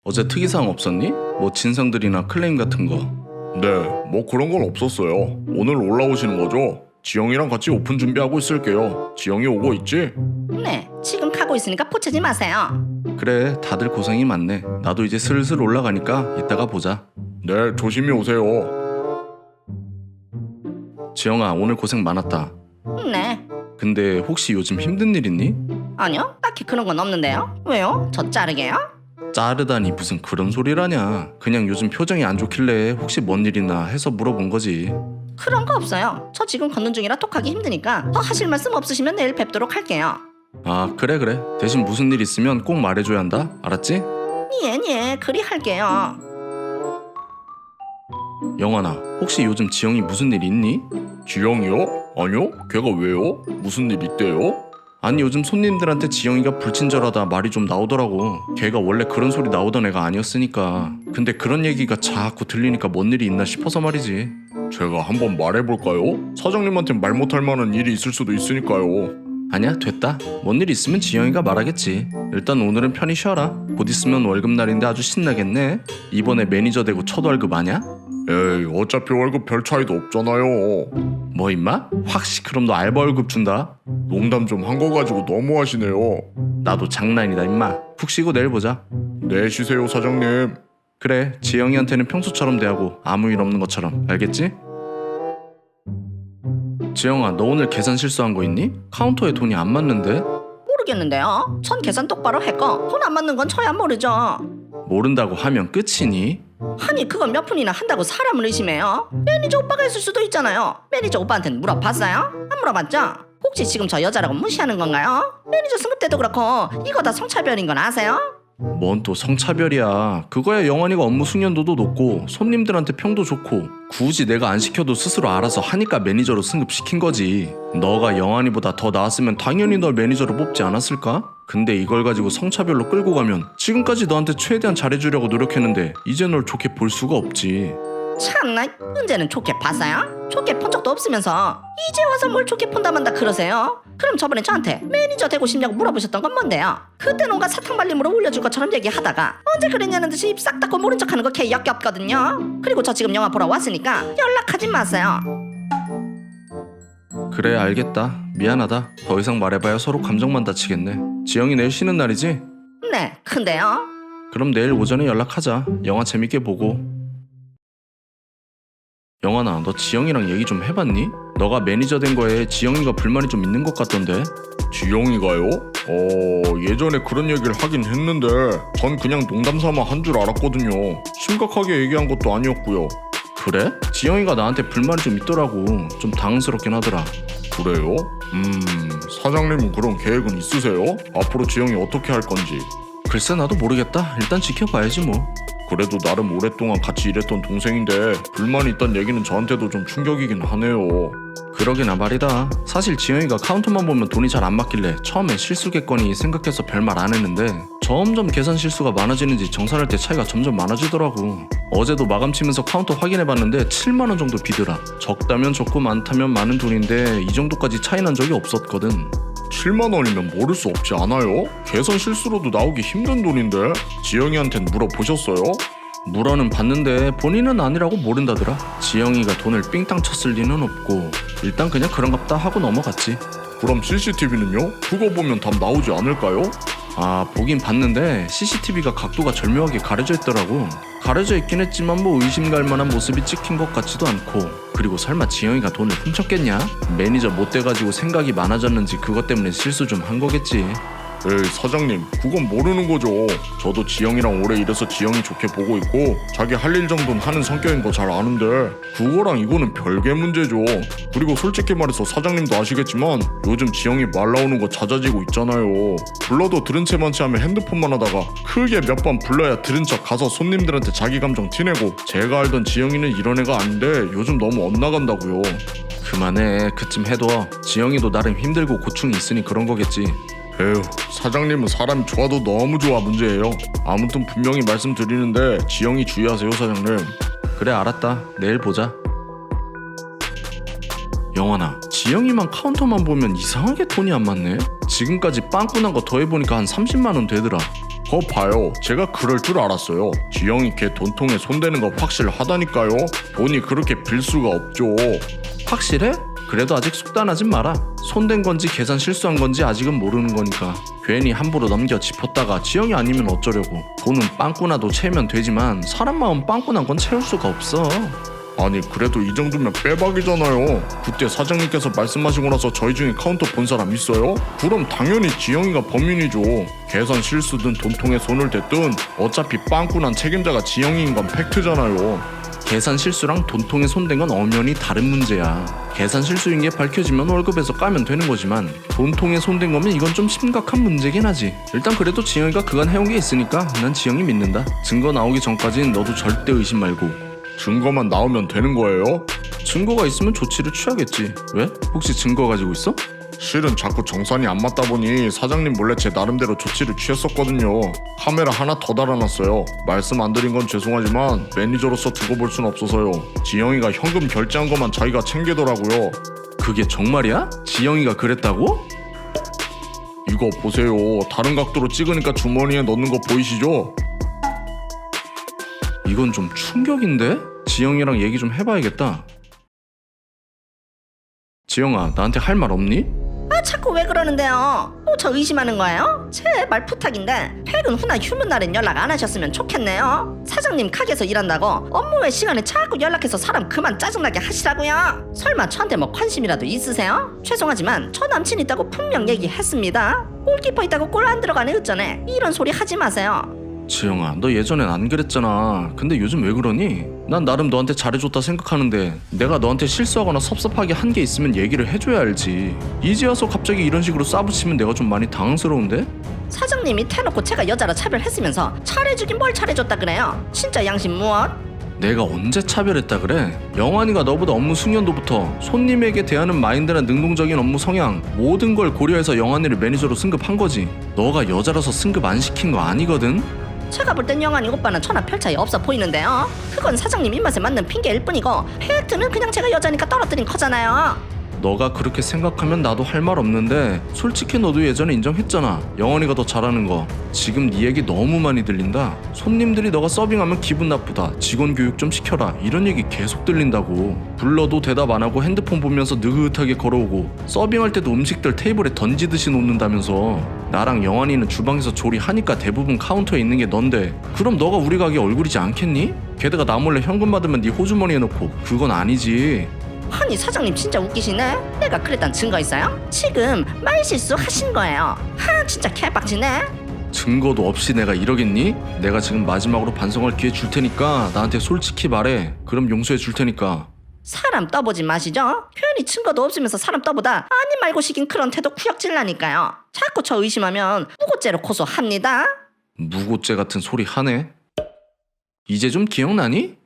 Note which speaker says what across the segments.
Speaker 1: 어제 특이사항 없었니? 뭐 진상들이나 클레임 같은 거.
Speaker 2: 네, 뭐 그런 건 없었어요. 오늘 올라오시는 거죠? 지영이랑 같이 오픈 준비하고 있을게요. 지영이 오고 있지?
Speaker 3: 네, 지금 가고 있으니까 포치지 마세요.
Speaker 1: 그래, 다들 고생이 많네. 나도 이제 슬슬 올라가니까 이따가 보자.
Speaker 2: 네, 조심히 오세요.
Speaker 1: 지영아, 오늘 고생 많았다.
Speaker 3: 네,
Speaker 1: 근데 혹시 요즘 힘든 일 있니?
Speaker 3: 아니요, 딱히 그런 건 없는데요. 왜요? 저 자르게요?
Speaker 1: 자르다니 무슨 그런 소리라냐. 그냥 요즘 표정이 안 좋길래 혹시 뭔 일 있나 해서 물어본 거지.
Speaker 3: 그런 거 없어요. 저 지금 걷는 중이라 톡하기 힘드니까 더 하실 말씀 없으시면 내일 뵙도록 할게요.
Speaker 1: 아, 그래. 대신 무슨 일 있으면 꼭 말해줘야 한다. 알았지?
Speaker 3: 예, 그리 할게요.
Speaker 1: 영환아, 혹시 요즘 지영이 무슨 일 있니?
Speaker 2: 지영이요? 아니요, 걔가 왜요? 무슨 일 있대요?
Speaker 1: 아니, 요즘 손님들한테 지영이가 불친절하다 말이 좀 나오더라고. 걔가 원래 그런 소리 나오던 애가 아니었으니까. 근데 그런 얘기가 자꾸 들리니까 뭔 일이 있나 싶어서 말이지.
Speaker 2: 제가 한번 말해볼까요? 사장님한테 말 못할 만한 일이 있을 수도 있으니까요.
Speaker 1: 아니야, 됐다. 뭔 일 있으면 지영이가 말하겠지. 일단 오늘은 편히 쉬어라. 곧 있으면 월급날인데 아주 신나겠네. 이번에 매니저 되고 첫 월급 아냐?
Speaker 2: 에이, 어차피 월급 별 차이도 없잖아요.
Speaker 1: 뭐 임마? 확시 그럼 너 알바 월급 준다.
Speaker 2: 농담 좀 한 거 가지고 너무하시네요.
Speaker 1: 나도 장난이다 임마. 푹 쉬고 내일 보자.
Speaker 2: 네, 쉬세요 사장님.
Speaker 1: 그래, 지영이한테는 평소처럼 대하고 아무 일 없는 것처럼. 알겠지? 지영아, 너 오늘 계산 실수한 거 있니? 카운터에 돈이 안 맞는데?
Speaker 3: 모르겠는데요. 전 계산 똑바로 했고 돈 안 맞는 건 저야 모르죠.
Speaker 1: 모른다고 하면 끝이니?
Speaker 3: 아니 그걸 몇 푼이나 한다고 사람을 의심해요? 매니저 오빠가 했을 수도 있잖아요. 매니저 오빠한테는 물어봤어요? 안 물어봤죠? 혹시 지금 저 여자라고 무시하는 건가요? 매니저 승급 때도 그렇고 이거 다 성차별인 건 아세요?
Speaker 1: 뭔 또 성차별이야. 그거야 영환이가 업무 숙련도도 높고 손님들한테 평도 좋고 굳이 내가 안 시켜도 스스로 알아서 하니까 매니저로 승급시킨 거지. 너가 영환이보다 더 나았으면 당연히 널 매니저로 뽑지 않았을까? 근데 이걸 가지고 성차별로 끌고 가면 지금까지 너한테 최대한 잘해주려고 노력했는데 이제 널 좋게 볼 수가 없지.
Speaker 3: 참나, 언제는 좋게 봤어요? 좋게 본 적도 없으면서 이제 와서 뭘 좋게 본다만다 그러세요? 그럼 저번에 저한테 매니저 되고 싶냐고 물어보셨던 건 뭔데요? 그때 뭔가 사탕발림으로 올려줄 것처럼 얘기하다가 언제 그랬냐는 듯이 입 싹 닫고 모른 척하는 거 개 역겹거든요. 그리고 저 지금 영화 보러 왔으니까 연락하지 마세요.
Speaker 1: 그래, 알겠다. 미안하다. 더 이상 말해봐야 서로 감정만 다치겠네. 지영이 내일 쉬는 날이지?
Speaker 3: 네, 근데요?
Speaker 1: 그럼 내일 오전에 연락하자. 영화 재밌게 보고. 영환아, 너 지영이랑 얘기 좀 해봤니? 너가 매니저 된 거에 지영이가 불만이 좀 있는 것 같던데?
Speaker 2: 지영이가요? 예전에 그런 얘기를 하긴 했는데 전 그냥 농담삼아 한 줄 알았거든요. 심각하게 얘기한 것도 아니었고요.
Speaker 1: 그래? 지영이가 나한테 불만이 좀 있더라고. 좀 당황스럽긴 하더라.
Speaker 2: 그래요? 사장님은 그런 계획은 있으세요? 앞으로 지영이 어떻게 할 건지.
Speaker 1: 글쎄, 나도 모르겠다. 일단 지켜봐야지 뭐.
Speaker 2: 그래도 나름 오랫동안 같이 일했던 동생인데 불만이 있단 얘기는 저한테도 좀 충격이긴 하네요.
Speaker 1: 그러기나 말이다. 사실 지영이가 카운터만 보면 돈이 잘 안 맞길래 처음엔 실수겠거니 생각해서 별말 안 했는데 점점 계산 실수가 많아지는지 정산할 때 차이가 점점 많아지더라고. 어제도 마감 치면서 카운터 확인해봤는데 7만원 정도 비더라. 적다면 적고 많다면 많은 돈인데 이 정도까지 차이 난 적이 없었거든.
Speaker 2: 7만 원이면 모를 수 없지 않아요? 계산 실수로도 나오기 힘든 돈인데 지영이한텐 물어보셨어요?
Speaker 1: 물어는 봤는데 본인은 아니라고 모른다더라. 지영이가 돈을 삥땅 쳤을 리는 없고 일단 그냥 그런갑다 하고 넘어갔지.
Speaker 2: 그럼 CCTV는요? 그거 보면 답 나오지 않을까요?
Speaker 1: 아, 보긴 봤는데 CCTV가 각도가 절묘하게 가려져 있더라고. 가려져 있긴 했지만 뭐 의심갈 만한 모습이 찍힌 것 같지도 않고. 그리고 설마 지영이가 돈을 훔쳤겠냐? 매니저 못 돼가지고 생각이 많아졌는지 그것 때문에 실수 좀 한 거겠지.
Speaker 2: 에이 사장님, 그건 모르는 거죠. 저도 지영이랑 오래 일해서 지영이 좋게 보고 있고 자기 할 일 정도는 하는 성격인 거 잘 아는데 그거랑 이거는 별개 문제죠. 그리고 솔직히 말해서 사장님도 아시겠지만 요즘 지영이 말 나오는 거 잦아지고 있잖아요. 불러도 들은 채 많지 하면 핸드폰만 하다가 크게 몇 번 불러야 들은 척 가서 손님들한테 자기 감정 티내고 제가 알던 지영이는 이런 애가 아닌데 요즘 너무 엇나간다고요.
Speaker 1: 그만해. 그쯤 해둬. 지영이도 나름 힘들고 고충이 있으니 그런 거겠지.
Speaker 2: 에휴, 사장님은 사람이 좋아도 너무 좋아 문제예요. 아무튼 분명히 말씀드리는데 지영이 주의하세요 사장님.
Speaker 1: 그래, 알았다. 내일 보자. 영환아, 지영이만 카운터만 보면 이상하게 돈이 안 맞네. 지금까지 빵꾸 난 거 더해보니까 한 30만원 되더라.
Speaker 2: 봐요. 제가 그럴 줄 알았어요. 지영이 걔 돈통에 손대는 거 확실하다니까요. 돈이 그렇게 빌 수가 없죠.
Speaker 1: 확실해? 그래도 아직 속단하진 마라. 손댄 건지 계산 실수한 건지 아직은 모르는 거니까. 괜히 함부로 넘겨 짚었다가 지영이 아니면 어쩌려고. 돈은 빵꾸나도 채우면 되지만 사람 마음 빵꾸난 건 채울 수가 없어.
Speaker 2: 아니 그래도 이 정도면 빼박이잖아요. 그때 사장님께서 말씀하시고 나서 저희 중에 카운터 본 사람 있어요? 그럼 당연히 지영이가 범인이죠. 계산 실수든 돈통에 손을 댔든 어차피 빵꾸난 책임자가 지영이인 건 팩트잖아요.
Speaker 1: 계산 실수랑 돈통에 손댄 건 엄연히 다른 문제야. 계산 실수인 게 밝혀지면 월급에서 까면 되는 거지만 돈통에 손댄 거면 이건 좀 심각한 문제긴 하지. 일단 그래도 지영이가 그간 해온 게 있으니까 난 지영이 믿는다. 증거 나오기 전까진 너도 절대 의심 말고.
Speaker 2: 증거만 나오면 되는 거예요?
Speaker 1: 증거가 있으면 조치를 취하겠지. 왜? 혹시 증거 가지고 있어?
Speaker 2: 실은 자꾸 정산이 안 맞다 보니 사장님 몰래 제 나름대로 조치를 취했었거든요. 카메라 하나 더 달아놨어요. 말씀 안 드린 건 죄송하지만 매니저로서 두고 볼 순 없어서요. 지영이가 현금 결제한 것만 자기가 챙기더라고요.
Speaker 1: 그게 정말이야? 지영이가 그랬다고?
Speaker 2: 이거 보세요. 다른 각도로 찍으니까 주머니에 넣는 거 보이시죠?
Speaker 1: 이건 좀 충격인데? 지영이랑 얘기 좀 해봐야겠다. 지영아, 나한테 할 말 없니?
Speaker 3: 아 자꾸 왜 그러는데요? 저 의심하는 거예요? 제발 부탁인데 퇴근 후나 휴무 날엔 연락 안 하셨으면 좋겠네요. 사장님 가게에서 일한다고 업무 외 시간에 자꾸 연락해서 사람 그만 짜증나게 하시라고요. 설마 저한테 뭐 관심이라도 있으세요? 죄송하지만 저 남친 있다고 분명 얘기했습니다. 골키퍼 있다고 골 안 들어가네 어쩌네. 이런 소리 하지 마세요.
Speaker 1: 지영아, 너 예전엔 안 그랬잖아. 근데 요즘 왜 그러니? 난 나름 너한테 잘해줬다 생각하는데 내가 너한테 실수하거나 섭섭하게 한 게 있으면 얘기를 해줘야 알지. 이제 와서 갑자기 이런 식으로 싸붙이면 내가 좀 많이 당황스러운데?
Speaker 3: 사장님이 대놓고 제가 여자라 차별했으면서 잘해주긴 뭘 잘해줬다 그래요? 진짜 양심 무엇?
Speaker 1: 내가 언제 차별했다 그래? 영환이가 너보다 업무 숙련도부터 손님에게 대하는 마인드나 능동적인 업무 성향 모든 걸 고려해서 영환이를 매니저로 승급한 거지. 너가 여자라서 승급 안 시킨 거 아니거든?
Speaker 3: 제가 볼 땐 영환이 오빠는 저나 별 차이 없어 보이는데요. 그건 사장님 입맛에 맞는 핑계일 뿐이고 팩트는 그냥 제가 여자니까 떨어뜨린 거잖아요.
Speaker 1: 너가 그렇게 생각하면 나도 할 말 없는데 솔직히 너도 예전에 인정했잖아. 영환이가 더 잘하는 거. 지금 네 얘기 너무 많이 들린다. 손님들이 너가 서빙하면 기분 나쁘다. 직원 교육 좀 시켜라. 이런 얘기 계속 들린다고. 불러도 대답 안 하고 핸드폰 보면서 느긋하게 걸어오고 서빙할 때도 음식들 테이블에 던지듯이 놓는다면서. 나랑 영환이는 주방에서 조리하니까 대부분 카운터에 있는 게 넌데 그럼 너가 우리 가게 얼굴이지 않겠니? 게다가 나 몰래 현금 받으면 네 호주머니에 넣고 그건 아니지.
Speaker 3: 아니 사장님 진짜 웃기시네. 내가 그랬단 증거 있어요? 지금 말실수 하신 거예요. 하 진짜 개빡치네.
Speaker 1: 증거도 없이 내가 이러겠니? 내가 지금 마지막으로 반성할 기회 줄 테니까 나한테 솔직히 말해. 그럼 용서해 줄 테니까.
Speaker 3: 사람 떠보지 마시죠. 괜히 증거도 없으면서 사람 떠보다 아니 말고 시킨 그런 태도 구역질나니까요. 자꾸 저 의심하면 무고죄로 고소합니다.
Speaker 1: 무고죄 같은 소리 하네. 이제 좀 기억나니?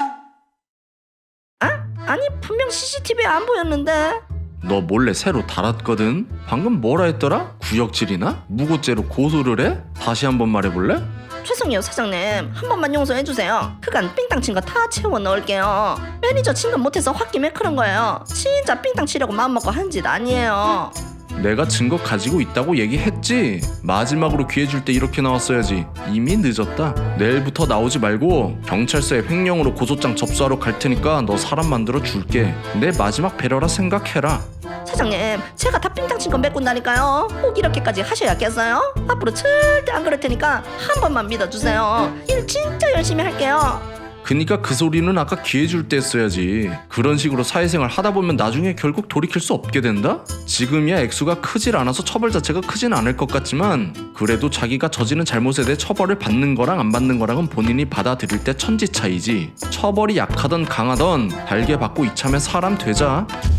Speaker 3: 아니 분명 CCTV에 안 보였는데.
Speaker 1: 너 몰래 새로 달았거든? 방금 뭐라 했더라? 구역질이나? 무고죄로 고소를 해? 다시 한번 말해볼래?
Speaker 3: 죄송해요 사장님. 한 번만 용서해주세요. 그간 삥땅 친 거 다 채워 넣을게요. 매니저 진급 못해서 홧김에 그런 거예요. 진짜 삥땅 치려고 마음먹고 한 짓 아니에요.
Speaker 1: 내가 증거 가지고 있다고 얘기했지? 마지막으로 기회 줄 때 이렇게 나왔어야지. 이미 늦었다. 내일부터 나오지 말고 경찰서에 횡령으로 고소장 접수하러 갈 테니까 너 사람 만들어 줄게. 내 마지막 배려라 생각해라.
Speaker 3: 사장님 제가 다 삥땅 친 거 메꾼다니까요. 꼭 이렇게까지 하셔야겠어요? 앞으로 절대 안 그럴 테니까 한 번만 믿어주세요. 일 진짜 열심히 할게요.
Speaker 1: 그니까 그 소리는 아까 기회 줄 때 했어야지. 그런 식으로 사회생활 하다 보면 나중에 결국 돌이킬 수 없게 된다? 지금이야 액수가 크질 않아서 처벌 자체가 크진 않을 것 같지만 그래도 자기가 저지른 잘못에 대해 처벌을 받는 거랑 안 받는 거랑은 본인이 받아들일 때 천지 차이지. 처벌이 약하던 강하던 달게 받고 이참에 사람 되자.